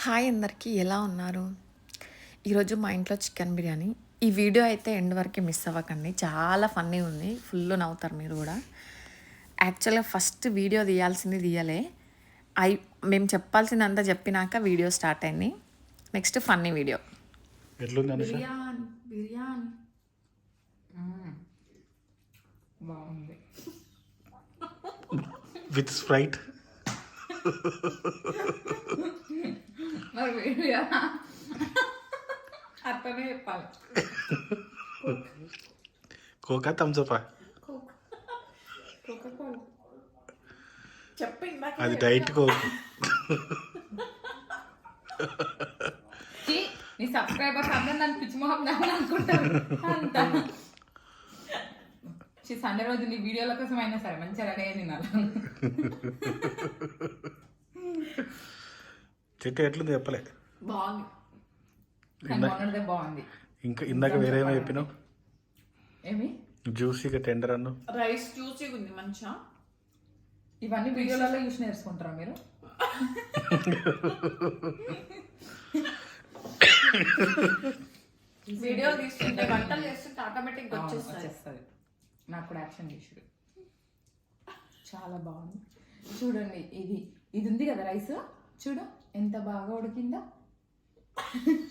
Hi అందరికీ ఎలా ఉన్నారు? ఈరోజు మా ఇంట్లో చికెన్ బిర్యానీ. ఈ వీడియో అయితే ఎండ్ వరకే మిస్ అవ్వకండి. చాలా ఫన్నీ ఉంది. ఫుల్ నవ్వుతారు మీరు కూడా. యాక్చువల్గా ఫస్ట్ వీడియో తీయాల్సింది తీయలే. అయి మేము చెప్పాల్సిందంతా చెప్పినాక వీడియో స్టార్ట్ అయింది. Next funny video. ఎట్లుంది అనుష? బిర్యానీ బిర్యానీ బాగుంది. With Sprite. మరి వీడియో అట్లనే చెప్పాలి. కోకా థమ్స్అప్ చెప్పు ఇందాక అది డైట్ కోక్. నీ సబ్స్క్రైబర్స్ అందరూ నన్ను పిచ్చి మొహం దాన్ని అనుకుంటారు. అంత సండే రోజు నీ వీడియోల కోసం అయినా సరే మంచిగా రెడీ అయ్యి తినాలి. చెట్టు ఎట్లుంది చెప్పలే. బాగుంది. మొన్నటిదే బాగుంది. ఇంకా ఇందాక వేరేమో చెప్పినావు. ఏమి జ్యూసీగా టెండర్ అన్ను. రైస్ జ్యూసీగా ఉంది మంచిగా. ఇవన్నీ వీడియోలలో చూసి నేర్చుకుంటారా మీరు? వీడియో తీసుకుంటే వంటలు చేస్తుంటే ఆటోమేటిక్గా వచ్చేస్తుంది. నాకు కూడా యాక్షన్ చేసుడు చాలా బాగుంది. చూడండి, ఇది ఉంది కదా రైస్, చూడు ఎంత బాగా ఉడికిందో.